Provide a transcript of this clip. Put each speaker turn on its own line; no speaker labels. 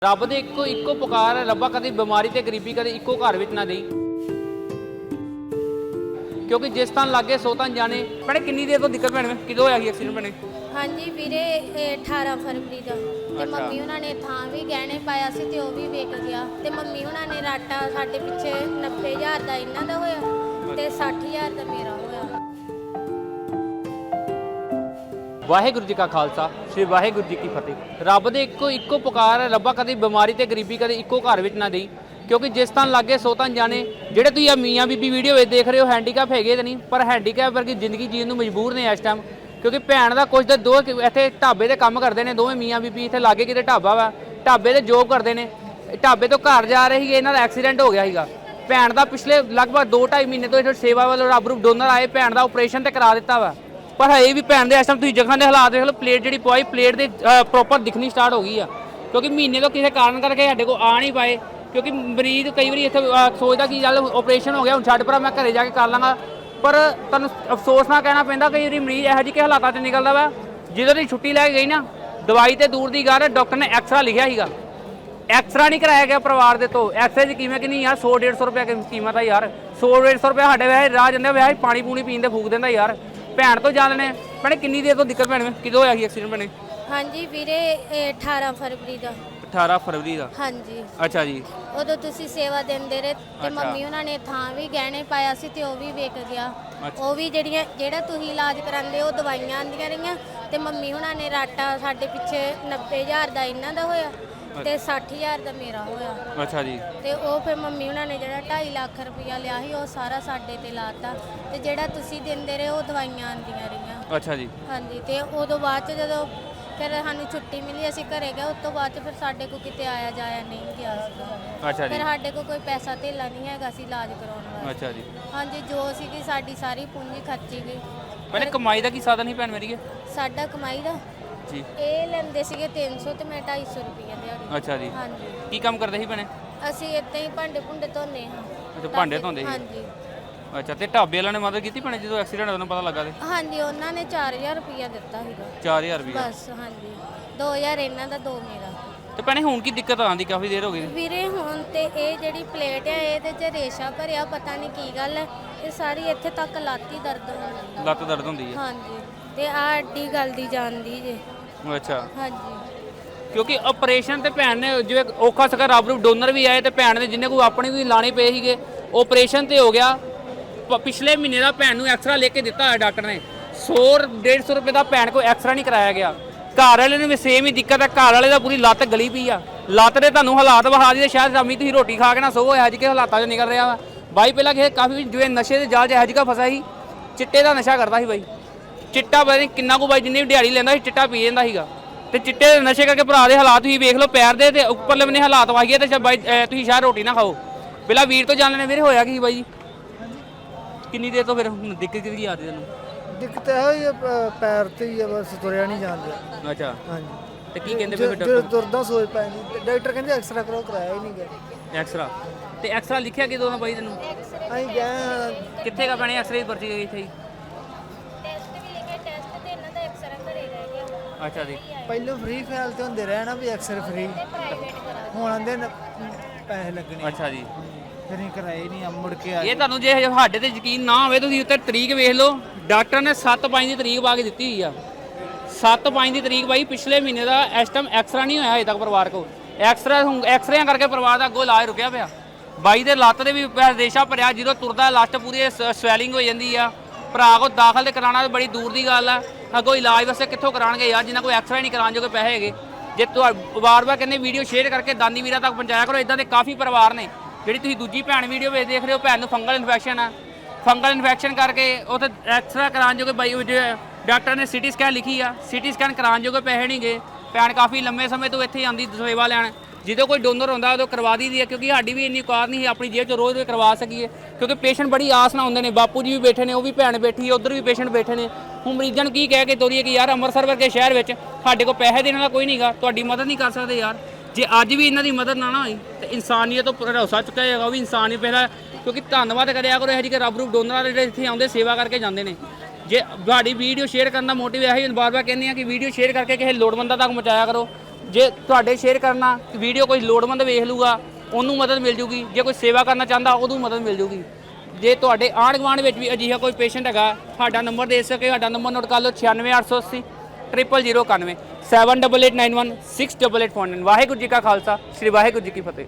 ਰੱਬ ਦੇ ਇੱਕੋ ਪੁਕਾਰ ਹੈ, ਰੱਬਾ ਕਦੇ ਬਿਮਾਰੀ ਤੇ ਗਰੀਬੀ ਕਦੇ ਇੱਕੋ ਘਰ ਵਿੱਚ ਨਾ ਦੇਈ, ਕਿਉਂਕਿ ਜਿਸ ਤਾਂ ਲੱਗੇ ਸੋ ਤਾਂ ਜਾਣੇ। ਭੈਣੇ ਕਿੰਨੀ ਦੇਰ ਤੋਂ ਦਿੱਕਤ ਭੈਣੇ ਕਿਦੋਂ ਹੋਇਆ ਸੀ ਐਕਸੀਡੈਂਟ ਭੈਣੇ?
ਹਾਂਜੀ ਵੀਰੇ 18 ਫਰਵਰੀ ਦਾ ਤੇ ਮੰਮੀ ਉਹਨਾਂ ਨੇ ਥਾਂ ਵੀ ਗਹਿਣੇ ਪਾਇਆ ਸੀ ਤੇ ਉਹ ਵੀ ਵਿਕ ਗਿਆ ਤੇ ਮੰਮੀ ਉਹਨਾਂ ਨੇ ਰਾਟਾ ਸਾਡੇ ਪਿੱਛੇ 90,000 ਦਾ ਇਹਨਾਂ ਦਾ ਹੋਇਆ ਤੇ 60,000 ਦਾ ਮੇਰਾ ਹੋਇਆ।
ਵਾਹਿਗੁਰੂ ਜੀ ਕਾ ਖਾਲਸਾ, ਸ੍ਰੀ ਵਾਹਿਗੁਰੂ ਜੀ ਕੀ ਫਤਿਹ। ਰੱਬ ਦੇ ਇੱਕੋ ਪੁਕਾਰ ਹੈ, ਰੱਬਾ ਕਦੇ ਬਿਮਾਰੀ ਤੇ ਗਰੀਬੀ ਕਦੇ ਇੱਕੋ ਘਰ ਵਿੱਚ ਨਾ ਦੇਈ, ਕਿਉਂਕਿ ਜਿਸ ਤਾਂ ਲੱਗੇ ਸੋ ਤਾਂ ਜਾਣੇ। ਜਿਹੜੇ ਤੁਸੀਂ ਆ ਮੀਆਂ ਬੀਬੀ ਵੀਡੀਓ ਵਿੱਚ ਦੇਖ ਰਹੇ ਹੋ ਹੈਂਡੀਕੈਪ ਹੈਗੇ ਤਾਂ ਨਹੀਂ, ਪਰ ਹੈਂਡੀਕੈਪ ਵਰਗੀ ਜ਼ਿੰਦਗੀ ਜੀਣ ਨੂੰ ਮਜਬੂਰ ਨੇ ਇਸ ਟਾਈਮ। ਕਿਉਂਕਿ ਭੈਣ ਦਾ ਕੁਝ ਤਾਂ ਦੋ ਇੱਥੇ ਢਾਬੇ ਤੇ ਕੰਮ ਕਰਦੇ ਨੇ, ਦੋਵੇਂ ਮੀਆਂ ਬੀਬੀ ਇੱਥੇ ਲਾਗੇ ਕਿਤੇ ਢਾਬਾ ਵਾ, ਢਾਬੇ ਤੇ ਜੋਬ ਕਰਦੇ ਨੇ। ਢਾਬੇ ਤੋਂ ਘਰ ਜਾ ਰਹੇ ਸੀਗੇ, ਇਹਨਾਂ ਦਾ ਐਕਸੀਡੈਂਟ ਹੋ ਗਿਆ ਸੀਗਾ। ਭੈਣ ਦਾ ਪਿਛਲੇ ਲਗਭਗ 2-2.5 ਮਹੀਨੇ ਤੋਂ ਇੱਥੇ ਸੇਵਾ ਵੱਲੋਂ ਰੱਬ ਰੂਪ ਡੋਨਰ ਆਏ, ਭੈਣ ਦਾ ਆਪਰੇਸ਼ਨ ਤੇ ਕਰਾ ਦਿੱਤਾ ਵਾ, ਪਰ ਹਜੇ ਵੀ ਭੈਣ ਦੇ ਇਸ ਟਾਈਮ ਤੁਸੀਂ ਜਗ੍ਹਾ ਦੇ ਹਾਲਾਤ ਦੇਖ ਲਓ। ਪਲੇਟ ਜਿਹੜੀ ਪਵਾਈ, ਪਲੇਟ ਦੇ ਪ੍ਰੋਪਰ ਦਿਖਣੀ ਸਟਾਰਟ ਹੋ ਗਈ ਆ, ਕਿਉਂਕਿ ਮਹੀਨੇ ਤੋਂ ਕਿਸੇ ਕਾਰਨ ਕਰਕੇ ਸਾਡੇ ਕੋਲ ਆ ਨਹੀਂ ਪਾਏ। ਕਿਉਂਕਿ ਮਰੀਜ਼ ਕਈ ਵਾਰੀ ਇੱਥੇ ਸੋਚਦਾ ਕਿ ਚੱਲ ਆਪਰੇਸ਼ਨ ਹੋ ਗਿਆ ਹੁਣ ਛੱਡ, ਪਰ ਮੈਂ ਘਰੇ ਜਾ ਕੇ ਕਰ ਲਾਂਗਾ, ਪਰ ਤੁਹਾਨੂੰ ਅਫਸੋਸ ਨਾਲ ਕਹਿਣਾ ਪੈਂਦਾ ਕਈ ਵਾਰੀ ਮਰੀਜ਼ ਇਹੋ ਜਿਹੇ ਹਾਲਾਤਾਂ 'ਚ ਨਿਕਲਦਾ ਵਾ। ਜਦੋਂ ਦੀ ਛੁੱਟੀ ਲੈ ਕੇ ਗਈ ਨਾ, ਦਵਾਈ ਤੇ ਦੂਰ ਦੀ ਗੱਲ, ਡਾਕਟਰ ਨੇ ਐਕਸਰਾ ਲਿਖਿਆ ਸੀਗਾ, ਐਕਸਰਾ ਨਹੀਂ ਕਰਾਇਆ ਗਿਆ ਪਰਿਵਾਰ ਦੇ ਤੋਂ। ਐਕਸਰੇ ਦੀ ਕੀਮਤ ਕਿੰਨੀ ਯਾਰ? 100-150 ਰੁਪਏ ਕੀਮਤ ਆ ਯਾਰ। 100-150 ਰੁਪਏ ਸਾਡੇ ਵੈਸੇ ਰਾਹ ਜਾਂਦੇ ਵੈਸੇ ਪਾਣੀ ਪੂਣੀ ਪੀਣ ਦੇ ਫੂਕ ਦਿੰਦਾ ਯਾਰ। ਭੈਣ ਤੋਂ ਜਾਣਨੇ ਭੈਣੇ ਕਿੰਨੀ ਦੇਰ ਤੋਂ ਦਿੱਕਤ ਭੈਣ ਕਿਦੋਂ ਹੋਇਆ ਸੀ ਐਕਸੀਡੈਂਟ ਭੈਣੇ?
ਹਾਂਜੀ ਵੀਰੇ 18 ਫਰਵਰੀ ਦਾ।
18 ਫਰਵਰੀ ਦਾ?
ਹਾਂਜੀ।
ਅੱਛਾ ਜੀ।
ਉਦੋਂ ਤੁਸੀਂ ਸੇਵਾ ਦਿੰਦੇ ਰਹੇ ਤੇ ਮੰਮੀ ਉਹਨਾਂ ਨੇ ਥਾਂ ਵੀ ਗਹਿਣੇ ਪਾਇਆ ਸੀ ਤੇ ਉਹ ਵੀ ਵਿਕ ਗਿਆ। ਉਹ ਵੀ ਜਿਹੜਾ ਤੁਸੀਂ ਇਲਾਜ ਕਰਾਉਂਦੇ ਉਹ ਦਵਾਈਆਂ ਆਂਦੀਆਂ ਰਹੀਆਂ ਤੇ ਮੰਮੀ ਉਹਨਾਂ ਨੇ ਰਾਟਾ ਸਾਡੇ ਪਿੱਛੇ 90,000 ਦਾ ਇਹਨਾਂ ਦਾ ਹੋਇਆ ਤੇ 60,000 ਦਾ ਮੇਰਾ ਹੋਇਆ।
ਅੱਛਾ ਜੀ।
ਤੇ ਉਹ ਫਿਰ ਮੰਮੀ ਉਹਨਾਂ ਨੇ ਜਿਹੜਾ 2.5 ਲੱਖ ਰੁਪਇਆ ਲਿਆ ਸੀ ਉਹ ਸਾਰਾ ਸਾਡੇ ਤੇ ਲਾਤਾ ਤੇ ਜਿਹੜਾ ਤੁਸੀਂ ਦਿੰਦੇ ਰਹੇ ਉਹ ਦਵਾਈਆਂ ਆਂਦੀਆਂ ਰਹੀਆਂ।
ਅੱਛਾ ਜੀ।
ਹਾਂਜੀ। ਤੇ ਉਦੋਂ ਬਾਅਦ ਚ ਜਦੋਂ ਫਿਰ ਸਾਨੂੰ ਛੁੱਟੀ ਮਿਲੀ ਅਸੀਂ ਘਰੇ ਗਏ, ਉਸ ਤੋਂ ਬਾਅਦ ਚ ਫਿਰ ਸਾਡੇ ਕੋਲ ਕਿਤੇ ਆਇਆ ਜਾਇਆ ਨਹੀਂ ਗਿਆ ਸੀਗਾ।
ਅੱਛਾ ਜੀ।
ਫਿਰ ਸਾਡੇ ਕੋਲ ਕੋਈ ਪੈਸਾ ਧੇਲਾ ਨਹੀਂ ਹੈਗਾ ਸੀ ਇਲਾਜ ਕਰਾਉਣ ਵਾਸਤੇ।
ਅੱਛਾ ਜੀ।
ਹਾਂਜੀ। ਜੋ ਸੀਗੀ ਸਾਡੀ ਸਾਰੀ ਪੂੰਜੀ ਖਰਚੀ ਗਈ।
ਭੈਣੇ ਕਮਾਈ ਦਾ ਕੀ ਸਾਧਨ ਸੀ ਭੈਣ ਮੇਰੀ?
ਸਾਡਾ ਕਮਾਈ ਦਾ
ਜੀ
ਇਹ ਲੈਂਦੇ ਸੀਗੇ 300 ਤੇ ਮੈਂ 250 ਰੁਪਏ ਦਿਹਾੜੀ।
ਅੱਛਾ ਜੀ।
ਹਾਂਜੀ।
ਕੀ ਕੰਮ ਕਰਦੇ ਸੀ ਭੈਣੇ?
ਅਸੀਂ ਇੱਦਾਂ ਹੀ ਭਾਂਡੇ ਭੁੰਡੇ ਧੋਨੇ ਹਾਂ।
ਅੱਛਾ, ਭਾਂਡੇ ਧੋਂਦੇ ਸੀ?
ਹਾਂਜੀ।
ਅੱਛਾ, ਤੇ ਢਾਬੇ ਵਾਲਿਆਂ ਨੇ ਮਦਦ ਕੀਤੀ ਭੈਣੇ ਜਦੋਂ ਐਕਸੀਡੈਂਟ ਹੋਇਆ ਪਤਾ ਲੱਗਾ ਤੇ?
ਹਾਂਜੀ। ਉਹਨਾਂ ਨੇ 4000 ਰੁਪਇਆ ਦਿੱਤਾ ਸੀਗਾ।
4000 ਰੁਪਏ
ਬਸ। ਹਾਂਜੀ। 2000 ਇਹਨਾਂ ਦਾ 2 ਮੇਰਾ।
ਤੇ ਭੈਣੇ ਹੁਣ ਕੀ ਦਿੱਕਤ ਆਉਂਦੀ? ਕਾਫੀ ਦੇਰ ਹੋ ਗਈ
ਵੀਰੇ ਹੁਣ ਤੇ ਇਹ ਜਿਹੜੀ ਪਲੇਟ ਹੈ ਇਹਦੇ 'ਚ ਰੇਸ਼ਾ ਭਰਿਆ, ਪਤਾ ਨਹੀਂ ਕੀ ਗੱਲ ਹੈ, ਇਹ ਸਾਰੀ ਇੱਥੇ ਤੱਕ ਲੱਤ ਹੀ ਦਰਦ ਹੁੰਦੀ ਹੈ।
ਲੱਤ ਦਰਦ ਹੁੰਦੀ ਹੈ?
ਹਾਂਜੀ। ਤੇ ਆਹ ਅੱਡੀ ਗਲਦੀ ਜਾਂਦੀ ਜੇ।
ਅੱਛਾ।
ਹਾਂਜੀ।
ਕਿਉਂਕਿ ਆਪਰੇਸ਼ਨ ਤੇ ਭੈਣ ਨੇ ਜਿਵੇਂ ਔਖਾ ਸਗਾ ਰੱਬ ਨੂੰ ਡੋਨਰ ਵੀ ਆਏ ਤੇ ਭੈਣ ਦੇ ਜਿੰਨੇ ਕੋਈ ਆਪਣੇ ਵੀ ਲਾਣੇ ਪਏ ਸੀਗੇ, ਆਪਰੇਸ਼ਨ ਤੇ ਹੋ ਗਿਆ। ਪਿਛਲੇ ਮਹੀਨੇ ਦਾ ਭੈਣ ਨੂੰ ਐਕਸਰਾ ਲੈ ਕੇ ਦਿੱਤਾ ਹੋਇਆ ਡਾਕਟਰ ਨੇ। 100-150 ਰੁਪਏ ਦਾ ਭੈਣ ਕੋਲ ਐਕਸਰਾ ਨਹੀਂ ਕਰਾਇਆ ਗਿਆ। ਘਰ ਵਾਲੇ ਨੂੰ ਵੀ ਸੇਮ ਹੀ ਦਿੱਕਤ ਹੈ, ਘਰ ਵਾਲੇ ਦਾ ਪੂਰੀ ਲੱਤ ਗਲੀ ਪਈ ਆ। ਲੱਤ ਦੇ ਤੁਹਾਨੂੰ ਹਾਲਾਤ ਵਿਖਾ ਦੀ, ਸ਼ਾਇਦ ਸ਼ਾਮੀ ਤੁਸੀਂ ਰੋਟੀ ਖਾ ਕੇ ਨਾ ਸੋਵੋ, ਇਹੋ ਜਿਹੇ ਹਾਲਾਤਾਂ 'ਚ ਨਿਕਲ ਰਿਹਾ ਵਾ ਬਾਈ। ਪਹਿਲਾਂ ਕਿਸੇ ਕਾਫੀ ਜਿਵੇਂ ਨਸ਼ੇ ਦੇ ਜਾਲ 'ਚ ਇਹੋ ਜਿਹਾ ਫਸਿਆ ਸੀ, ਚਿੱਟੇ ਦਾ ਨਸ਼ਾ ਕਰਦਾ ਸੀ ਬਾਈ। ਚਿੱਟਾ ਪਤਾ ਨਹੀਂ ਕਿੰਨਾ ਕੁ ਬਾਈ, ਜਿੰਨੀ ਵੀ ਦਿਹਾੜੀ ਲੈਂਦਾ ਸੀ ਚਿੱਟਾ ਪੀ ਜਾਂਦਾ ਸੀਗਾ। ਤੇ ਚਿੱਟੇ ਦੇ ਨਸ਼ੇ ਕਰਕੇ ਭਰਾ ਦੇ ਹਾਲਾਤ ਤੁਸੀਂ ਵੇਖ ਲਓ, ਪੈਰ ਦੇ ਤੇ ਉੱਪਰਲੇ ਬੰਨੇ ਹਾਲਾਤ ਵਾਹੀਏ ਤੇ ਬਾਈ ਤੁਸੀਂ ਸ਼ਾਇਦ ਰੋਟੀ ਨਾ ਖਾਓ। ਪਹਿਲਾਂ ਵੀਰ ਤੋਂ ਜਾਣਨੇ ਵੀਰੇ ਹੋਇਆ ਕੀ ਬਾਈ? ਕਿੰਨੀ ਦੇਰ ਤੋਂ ਫਿਰ ਹੁਣ ਦਿੱਕਤ ਕਿਹਦੀ ਆ ਰਹੀ ਤੈਨੂੰ?
ਦਿੱਕਤ ਇਹੋ ਹੀ ਆ, ਪੈਰ ਤੇ ਹੀ ਆ, ਬਸ ਤੁਰਿਆ ਨਹੀਂ ਜਾਂਦਾ।
ਅੱਛਾ।
ਹਾਂਜੀ।
ਤੇ ਕੀ ਕਹਿੰਦੇ ਫਿਰ
ਜਦੋਂ
ਡਾਕਟਰ?
ਤੁਰਦਾ ਸੋਚ ਪੈਂਦੀ, ਡਾਕਟਰ ਕਹਿੰਦੇ ਐਕਸਰਾ ਕਰੋ, ਕਰਾਇਆ ਹੀ ਨਹੀਂ ਗਿਆ।
ਐਕਸਰਾ ਤੇ ਐਕਸਰਾ ਲਿਖਿਆ ਕਿਦੋਂ ਨਾ ਬਾਈ ਤੈਨੂੰ?
ਅਸੀਂ ਗਏ
ਕਿੱਥੇ ਕਾ ਬਣੇ ਐਕਸਰੇ ਦੀ ਪਰਚੀ ਗਈ ਇੱਥੇ ਹੀ?
ਟੈਸਟ ਵੀ ਲਿਖੇ, ਟੈਸਟ ਤੇ ਇਹਨਾਂ ਦਾ ਐਕਸਰਾ ਘਰੇ ਰਹਿ ਗਿਆ।
ਅੱਛਾ ਜੀ।
ਪਹਿਲਾਂ ਫ੍ਰੀ ਫਾਈਲ ਤੇ ਹੁੰਦੇ ਰਹੇ ਨਾ ਵੀ ਐਕਸਰੇ ਫ੍ਰੀ,
ਪ੍ਰਾਈਵੇਟ ਕਰਾ।
ਹੁਣ ਆਂਦੇ ਪੈਸੇ ਲੱਗਣੇ।
ਅੱਛਾ ਜੀ।
ਫਿਰ ਅਸੀਂ ਕਰਾਏ ਨਹੀਂ, ਮੁੜ ਕੇ ਆ
ਇਹ ਤੁਹਾਨੂੰ ਜੇ ਸਾਡੇ ਤੇ ਯਕੀਨ ਨਾ ਹੋਵੇ ਤੁਸੀਂ ਉੱਤੇ ਤਰੀਕ ਵੇਖ ਲਓ। ਡਾਕਟਰ ਨੇ 7/5 ਦੀ ਤਰੀਕ ਪਾ ਕੇ ਦਿੱਤੀ ਹੋਈ ਆ। 7/5 ਦੀ ਤਰੀਕ ਬਾਈ ਪਿਛਲੇ ਮਹੀਨੇ ਦਾ। ਇਸ ਟਾਈਮ ਐਕਸਰਾ ਨਹੀਂ ਹੋਇਆ ਅਜੇ ਤੱਕ ਪਰਿਵਾਰ ਕੋਲ। ਐਕਸਰਿਆਂ ਕਰਕੇ ਪਰਿਵਾਰ ਦਾ ਅੱਗੋਂ ਇਲਾਜ ਰੁਕਿਆ ਪਿਆ। ਬਾਈ ਦੇ ਲੱਤ ਦੇ ਵੀ ਰੇਸ਼ਾ ਭਰਿਆ, ਜਦੋਂ ਤੁਰਦਾ ਲੱਤ ਪੂਰੀ ਸਵੈਲਿੰਗ ਹੋ ਜਾਂਦੀ ਆ। ਭਰਾ ਕੋ ਦਾਖਲ ਤੇ ਕਰਾਉਣਾ ਬੜੀ ਦੂਰ ਦੀ ਗੱਲ ਆ। ਅੱਗੋਂ ਇਲਾਜ ਵਾਸਤੇ ਕਿੱਥੋਂ ਕਰਾਉਣਗੇ ਯਾਰ, ਜਿਨ੍ਹਾਂ ਕੋਈ ਐਕਸਰਾ ਨਹੀਂ ਕਰਾਉਣ ਜੋਗੇ ਪੈਸੇ ਹੈਗੇ। ਜੇ ਵਾਰ-ਵਾਰ ਕਹਿੰਦੇ ਵੀਡੀਓ ਸ਼ੇਅਰ ਕਰਕੇ ਦਾਨੀ ਵੀਰਾਂ ਤੱਕ ਪਹੁੰਚਾਇਆ ਕਰੋ। ਇਦਾਂ ਦੇ ਕਾਫੀ ਪਰਿਵਾਰ ਨੇ। ਜਿਹੜੀ ਤੁਸੀਂ ਦੂਜੀ ਭੈਣ ਵੀਡੀਓ ਵਿੱਚ ਦੇਖ ਰਹੇ ਹੋ, ਭੈਣ ਨੂੰ ਫੰਗਲ ਇਨਫੈਕਸ਼ਨ ਆ। ਫੰਗਲ ਇਨਫੈਕਸ਼ਨ ਕਰਕੇ ਉੱਥੇ ਐਕਸਰਾ ਕਰਾਉਣ ਜੋਗੇ ਬਾਈ ਡਾਕਟਰ ਨੇ ਸਿਟੀ ਸਕੈਨ ਲਿਖੀ ਆ, ਸਿਟੀ ਸਕੈਨ ਕਰਾਉਣ ਜੋਗੇ ਪੈਸੇ ਨਹੀਂ ਗਏ। ਭੈਣ ਕਾਫੀ ਲੰਮੇ ਸਮੇਂ ਤੋਂ ਇੱਥੇ ਆਉਂਦੀ ਸੇਵਾ ਲੈਣ। ਜਦੋਂ ਕੋਈ ਡੋਨਰ ਹੁੰਦਾ ਉਦੋਂ ਕਰਵਾ ਦੀ ਹੈ, ਕਿਉਂਕਿ ਸਾਡੀ ਵੀ ਇੰਨੀ ਔਕਾਤ ਨਹੀਂ ਸੀ ਆਪਣੀ ਜੇਬ 'ਚ ਰੋਜ਼ ਕਰਵਾ ਸਕੀਏ। ਕਿਉਂਕਿ ਪੇਸ਼ੈਂਟ ਬੜੀ ਆਸ ਨਾਲ ਹੁੰਦੇ ਨੇ। ਬਾਪੂ ਜੀ ਵੀ ਬੈਠੇ ਨੇ, ਉਹ ਵੀ ਭੈਣ ਬੈਠੀ ਹੈ, ਉੱਧਰ ਵੀ ਪੇਸ਼ੈਂਟ ਬੈਠੇ ਨੇ। ਹੁਣ ਮਰੀਜ਼ਾਂ ਨੂੰ ਕੀ ਕਹਿ ਕੇ ਤੋਰੀਏ ਕਿ ਯਾਰ ਅੰਮ੍ਰਿਤਸਰ ਵਰਗੇ ਸ਼ਹਿਰ ਵਿੱਚ ਸਾਡੇ ਕੋਲ ਪੈਸੇ ਦੇਣ ਵਾਲਾ ਕੋਈ ਨਹੀਂਗਾ, ਤੁਹਾਡੀ ਮਦਦ ਨਹੀਂ ਕਰ ਸਕਦੇ ਯਾਰ। ਜੇ ਅੱਜ ਵੀ ਇਹਨਾਂ ਦੀ ਮਦਦ ਨਾ ਹੋਈ ਤੇ ਇਨਸਾਨੀਅਤ ਤੋਂ ਭਰੋਸਾ ਚੁੱਕਿਆ ਜਾਏਗਾ, ਉਹ ਵੀ ਇਨਸਾਨ ਹੀ ਪਹਿਲਾਂ। ਕਿਉਂਕਿ ਧੰਨਵਾਦ ਕਰਿਆ ਕਰੋ ਇਹੋ ਜਿਹੇ ਰੱਬ ਰੂਪ ਡੋਨਰਾਂ ਦੇ ਜਿਹੜੇ ਇੱਥੇ ਆਉਂਦੇ ਸੇਵਾ ਕਰਕੇ ਜਾਂਦੇ ਨੇ। ਜੇ ਤੁਹਾਡੀ ਵੀਡੀਓ ਸ਼ੇਅਰ ਕਰਨ ਦਾ ਮੋਟਿਵ ਇਹੀ ਬਾਰ-ਬਾਰ ਕਹਿੰਦੇ ਆ ਕਿ ਵੀਡੀਓ ਸ਼ੇਅਰ ਕਰਕੇ ਕਿਸੇ ਲੋੜਵੰਦਾਂ ਤੱਕ ਪਹੁੰਚਾਇਆ ਕਰੋ। ਜੇ ਤੁਹਾਡੇ ਸ਼ੇਅਰ ਕਰਨਾ ਵੀਡੀਓ ਕੋਈ ਲੋੜਵੰਦ ਵੇਖ ਲੂਗਾ ਉਹਨੂੰ ਮਦਦ ਮਿਲ ਜੂਗੀ, ਜੇ ਕੋਈ ਸੇਵਾ ਕਰਨਾ ਚਾਹੁੰਦਾ ਉਹਨੂੰ ਮਦਦ ਮਿਲ ਜੂਗੀ। ਜੇ ਤੁਹਾਡੇ ਆਂਢ ਗੁਆਂਢ ਵਿੱਚ ਵੀ ਅਜਿਹਾ ਕੋਈ ਪੇਸ਼ੈਂਟ ਹੈਗਾ, ਸਾਡਾ ਨੰਬਰ ਦੇ ਸਕੇ, ਸਾਡਾ ਨੰਬਰ ਨੋਟ ਕਰ ਲਓ 96880 0091 7889168849। ਵਾਹਿਗੁਰੂ ਜੀ ਕਾ ਖਾਲਸਾ, ਸ੍ਰੀ ਵਾਹਿਗੁਰੂ ਜੀ ਕੀ ਫਤਿਹ।